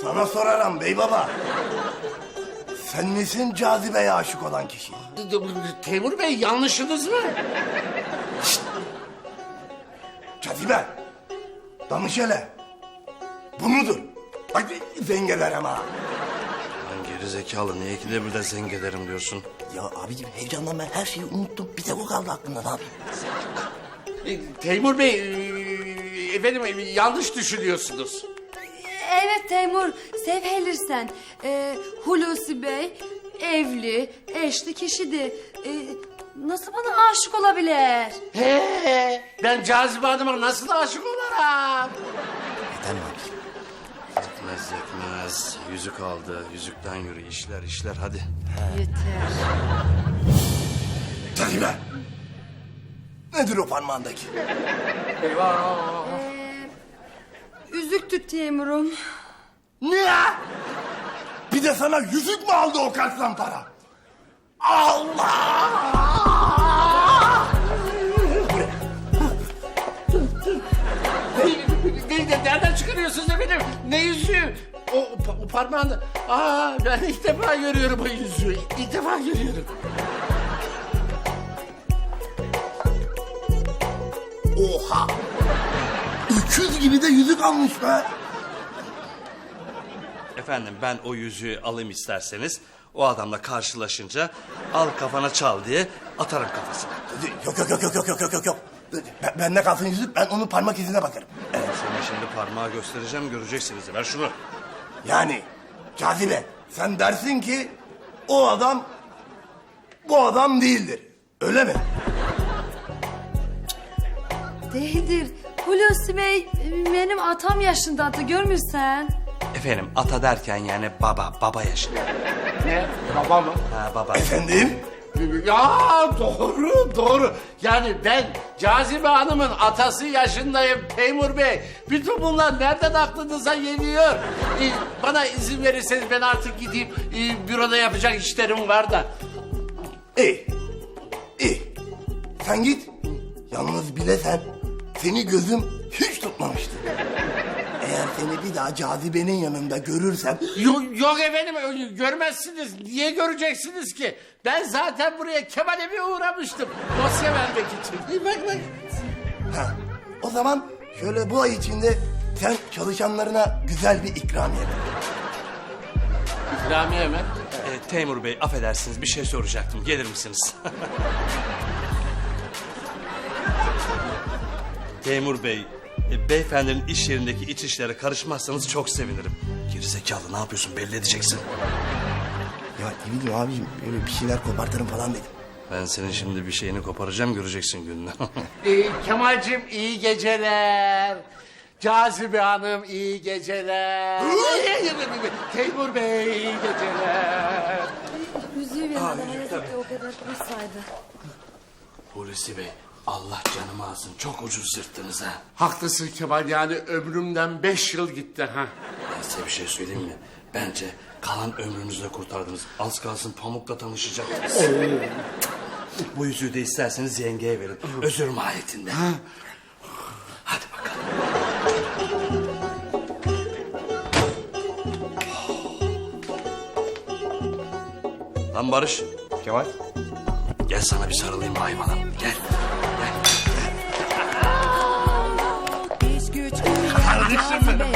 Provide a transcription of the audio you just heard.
Sana sorarım bey baba. Sen misin cazibeye aşık olan kişi? Teymur Bey yanlışınız mı? Cazibe. Danış hele. Bu mudur? Bak zengeler ama. Lan geri zekalı niye ikide bir de zengelerim diyorsun? Ya abicim heyecandan ben her şeyi unuttum. Bir tek o kaldı aklımda, ne yapayım? Teymur Bey, efendim yanlış düşünüyorsunuz. Evet Teymur, sevhelirsen. Hulusi Bey evli, eşli kişidir. Nasıl bana aşık olabilir? He, ben Cazibe Hanım'a nasıl aşık olurum? Neden mi abicim? Yetmez yetmez. Yüzük aldı. Yüzükten yürü. İşler hadi. Yeter. Cazibe. Nedir o parmağındaki? Üzüktü Teymur'um. Ne? Bir de sana yüzük mü aldı o kaçlan para? Allah! Nereden çıkarıyorsunuz efendim? Ne yüzüğü? O parmağında... Ben ilk defa görüyorum o yüzüğü. İlk defa görüyorum. Oha! Öküz gibi de yüzük almış be. Efendim ben o yüzüğü alayım isterseniz. O adamla karşılaşınca al kafana çal diye atarım kafasına. Yok. Bende kalsın yüzük, ben onun parmak izine bakarım. Sana şimdi parmağı göstereceğim göreceksiniz. Ver şunu. Yani Cazibe, sen dersin ki o adam bu adam değildir. Öyle mi? Değildir. Hulusi Bey benim atam yaşındadır, görmürsen. Efendim ata derken yani baba yaşında. Ne? Baba mı? Ha baba. Efendim? Ya doğru. Yani ben Cazibe Hanım'ın atası yaşındayım Teymur Bey. Bütün bunlar nereden aklınıza geliyor? Bana izin verirseniz ben artık gideyim. Büroda yapacak işlerim var da. İyi. Sen git. Yalnız bilesen seni gözüm hiç tutmamıştı. Eğer seni bir daha Cazibe'nin yanında görürsem... Yok efendim görmezsiniz. Niye göreceksiniz ki? Ben zaten buraya Kemal'e bir uğramıştım. Dosya vermek için. Bak. Ha, o zaman şöyle bu ay içinde sen çalışanlarına güzel bir ikramiye ver. İkramiye mi? Teymur Bey affedersiniz bir şey soracaktım. Gelir misiniz? Teymur Bey, beyefendinin iş yerindeki iç işlere karışmazsanız çok sevinirim. Gerizekalı ne yapıyorsun belli edeceksin. Ya ne bileyim abiciğim, böyle bir şeyler kopartırım falan dedim. Ben senin şimdi bir şeyini koparacağım göreceksin gününü. Kemal'cim iyi geceler. Cazibe Hanım iyi geceler. Teymur Bey iyi geceler. Yüzüğü vermeden o kadar kursaydı. Hulusi Bey Allah canımı alsın çok ucuz yırttınız ha. Haklısın Kemal, yani ömrümden 5 yıl gitti ha. Ben size bir şey söyleyeyim mi? Bence kalan ömrünüzü de kurtardınız. Az kalsın Pamuk'la tanışacaktınız. Bu yüzüğü de isterseniz yengeye verin. Özür mahiyetinde. Hadi bakalım. Lan Barış. Kemal? Gel sana bir sarılayım hayvana. Gel. İş güç kardeşim benim.